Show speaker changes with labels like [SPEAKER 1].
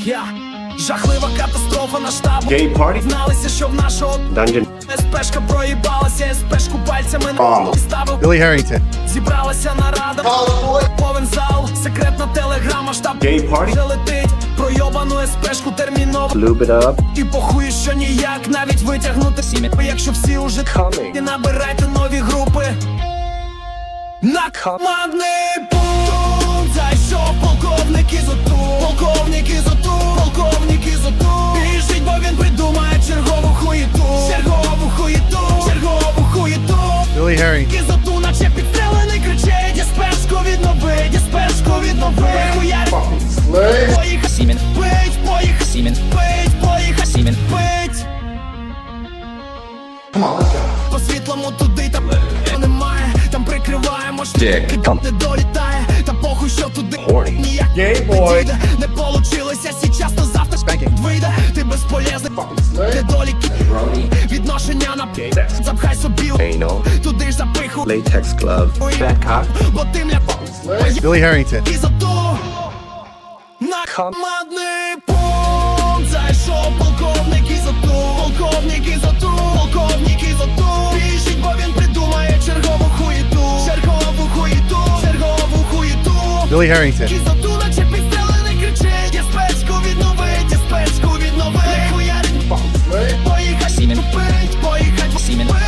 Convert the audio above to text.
[SPEAKER 1] Жахлива катастрофа на штабу.
[SPEAKER 2] Gay party.
[SPEAKER 1] Зналися, що в нашого
[SPEAKER 2] Dungeon.
[SPEAKER 1] СПшка проїбалася, СПшку пальцями
[SPEAKER 2] Oh.
[SPEAKER 1] ставив.
[SPEAKER 3] Billy Harrington.
[SPEAKER 1] Зібралася нарада, повен зал, секретна телеграма, штаб
[SPEAKER 2] Gay party.
[SPEAKER 1] вже летить, пройобану СПшку терміново.
[SPEAKER 2] Lube it up.
[SPEAKER 1] І похує, що ніяк навіть витягнути сім'я. Якщо всі уже
[SPEAKER 2] Coming.
[SPEAKER 1] і набирайте нові групи. На командний пункт зайшов полковник Ізоту. Полковник Ізоту, полковник Ізоту. Біжить, бо він придумає чергову хуєту. Чергову хуєту, чергову хуєту.
[SPEAKER 3] Billy Harrington.
[SPEAKER 1] Ізоту, наче підстрелений, кричить: «Діспешку віднови, діспешку віднови». Хуярь, поїхав Сімен. Пить, поїхав Сімен. Пить, поїхав Сімен. Пить. По світлому туди, там немає, там прикриваємо штик, не долітає, та похуй, що туди ніяк не підійде. Не получилося сейчас, то завтра вийде. Ти безполезний, недоліки, відношення на запхай собі туди ж запиху.
[SPEAKER 2] Latex glove. Back cock.
[SPEAKER 1] Бо ти мля
[SPEAKER 3] Billy Harrington.
[SPEAKER 1] Ізоту. На командний пункт зайшов полковник Ізоту. Полковник Ізоту, полковник Ізоту. Біжить, бо він придумає чергову хуєту. Чергову хуєту, чергову хуєту.
[SPEAKER 3] Billy Harrington.
[SPEAKER 1] Ізоту, наче підстрелений, кричить: «Діспешку віднови, діспешку віднови». Хуярить, поїхать Сімен. Пить, поїхать Сімен.